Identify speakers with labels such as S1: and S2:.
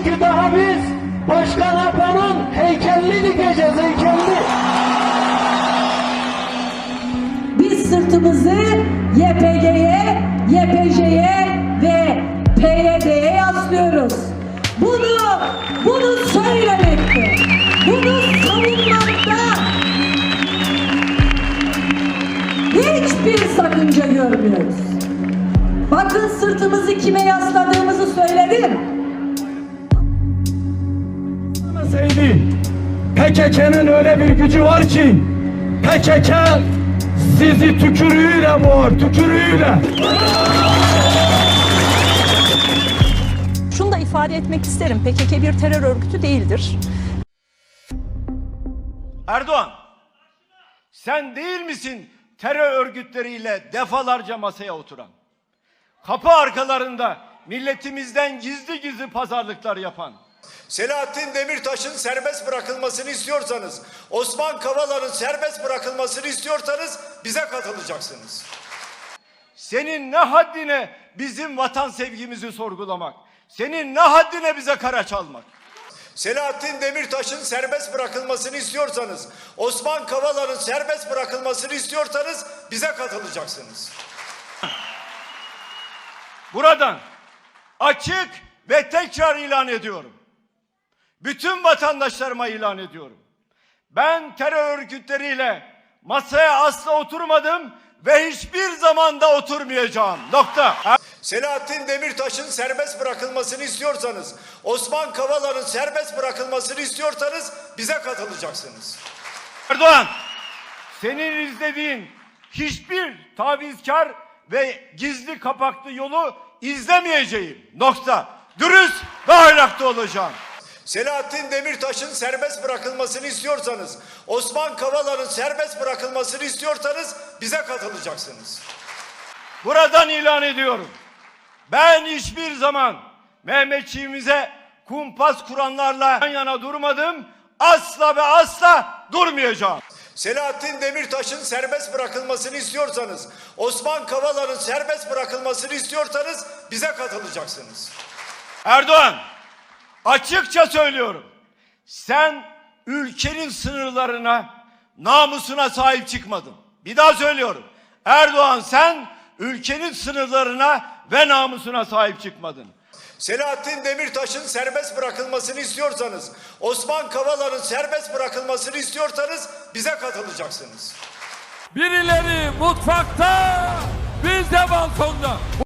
S1: Çünkü daha biz Başkan Apo'nun heykelini dikeceğiz, heykelini.
S2: Biz sırtımızı YPG'ye, YPJ'ye ve PYD'ye yaslıyoruz. Bunu söylemekte, bunu savunmakta hiçbir sakınca görmüyoruz. Bakın sırtımızı kime yasladığımızı söyledim.
S1: PKK'nın öyle bir gücü var ki PKK sizi tükürüğüyle boğar, tükürüğüyle.
S3: Şunu da ifade etmek isterim. PKK bir terör örgütü değildir.
S4: Erdoğan, sen değil misin terör örgütleriyle defalarca masaya oturan? Kapı arkalarında milletimizden gizli gizli pazarlıklar yapan?
S5: Selahattin Demirtaş'ın serbest bırakılmasını istiyorsanız, Osman Kavala'nın serbest bırakılmasını istiyorsanız bize katılacaksınız.
S4: Senin ne haddine bizim vatan sevgimizi sorgulamak? Senin ne haddine bize kara çalmak?
S5: Selahattin Demirtaş'ın serbest bırakılmasını istiyorsanız, Osman Kavala'nın serbest bırakılmasını istiyorsanız bize katılacaksınız.
S4: Buradan açık ve tekrar ilan ediyorum. Bütün vatandaşlarıma ilan ediyorum. Ben terör örgütleriyle masaya asla oturmadım ve hiçbir zaman da oturmayacağım. Nokta.
S5: Selahattin Demirtaş'ın serbest bırakılmasını istiyorsanız, Osman Kavala'nın serbest bırakılmasını istiyorsanız bize katılacaksınız.
S4: Erdoğan, senin izlediğin hiçbir tavizkar ve gizli kapaklı yolu izlemeyeceğim. Nokta. Dürüst ve ahlaklı olacağım.
S5: Selahattin Demirtaş'ın serbest bırakılmasını istiyorsanız, Osman Kavala'nın serbest bırakılmasını istiyorsanız bize katılacaksınız.
S4: Buradan ilan ediyorum. Ben hiçbir zaman Mehmetçiğimize kumpas kuranlarla yan yana durmadım. Asla ve asla durmayacağım.
S5: Selahattin Demirtaş'ın serbest bırakılmasını istiyorsanız, Osman Kavala'nın serbest bırakılmasını istiyorsanız bize katılacaksınız.
S4: Erdoğan, açıkça söylüyorum. Sen ülkenin sınırlarına, namusuna sahip çıkmadın. Bir daha söylüyorum. Erdoğan, sen ülkenin sınırlarına ve namusuna sahip çıkmadın.
S5: Selahattin Demirtaş'ın serbest bırakılmasını istiyorsanız, Osman Kavala'nın serbest bırakılmasını istiyorsanız bize katılacaksınız.
S6: Birileri mutfakta, biz de balkonda.